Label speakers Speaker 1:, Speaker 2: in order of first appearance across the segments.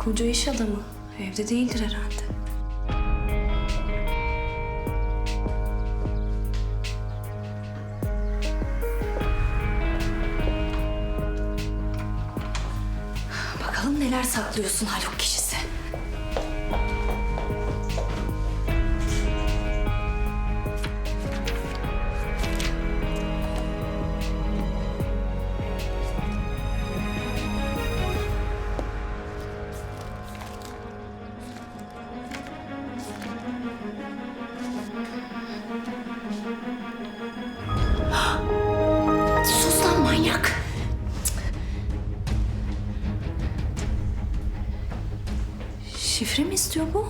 Speaker 1: Koca iş adamı. Evde değildir herhalde. Bakalım neler saklıyorsun Haluk kişisi. Sus lan manyak. Şifre mi istiyor bu?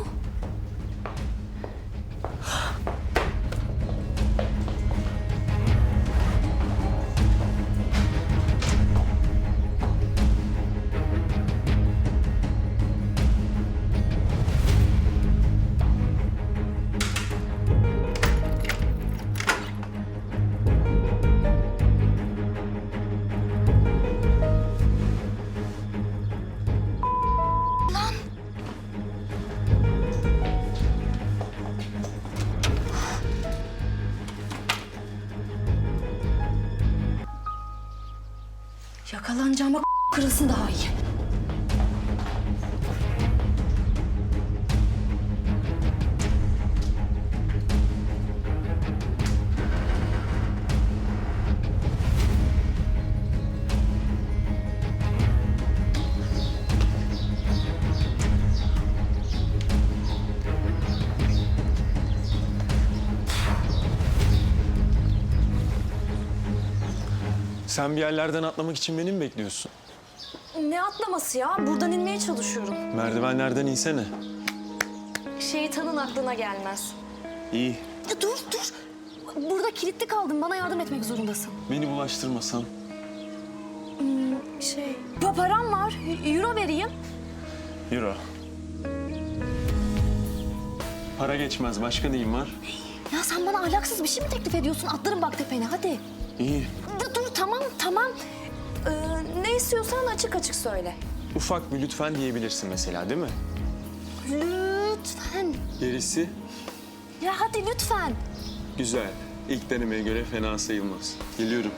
Speaker 1: Yakalanacağıma kırılsın daha iyi.
Speaker 2: Sen bir yerlerden atlamak için beni mi bekliyorsun?
Speaker 1: Ne atlaması ya? Buradan inmeye çalışıyorum.
Speaker 2: Merdivenlerden insene.
Speaker 1: Şeytanın aklına gelmez.
Speaker 2: İyi.
Speaker 1: Ya dur. Burada kilitli kaldım. Bana yardım etmek zorundasın.
Speaker 2: Beni bulaştırmasan.
Speaker 1: Param var. Euro vereyim.
Speaker 2: Euro. Para geçmez. Başka neyim var?
Speaker 1: Ya sen bana ahlaksız bir şey mi teklif ediyorsun? Atlarım bak tepene hadi.
Speaker 2: İyi.
Speaker 1: Dur tamam. Ne istiyorsan açık açık söyle.
Speaker 2: Ufak bir lütfen diyebilirsin mesela, değil mi?
Speaker 1: Lütfen.
Speaker 2: Gerisi
Speaker 1: Ya hadi lütfen.
Speaker 2: güzel. İlk denemeye göre fena sayılmaz. Geliyorum.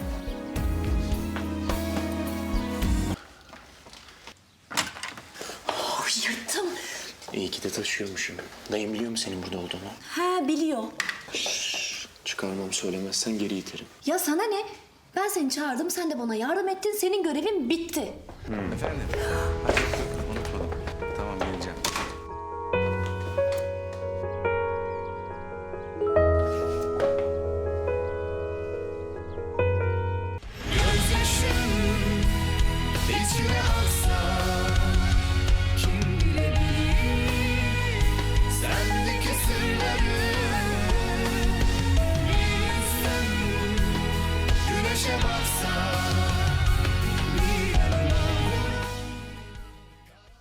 Speaker 1: Oh, yırttım.
Speaker 3: İyi ki de taşıyormuşum. Dayım biliyor mu senin burada olduğunu?
Speaker 1: Ha biliyor.
Speaker 3: Çıkarmam, söylemezsen geri iterim.
Speaker 1: Ya sana ne? Ben seni çağırdım, sen de bana yardım ettin. Senin görevin bitti.
Speaker 4: Efendim, hadi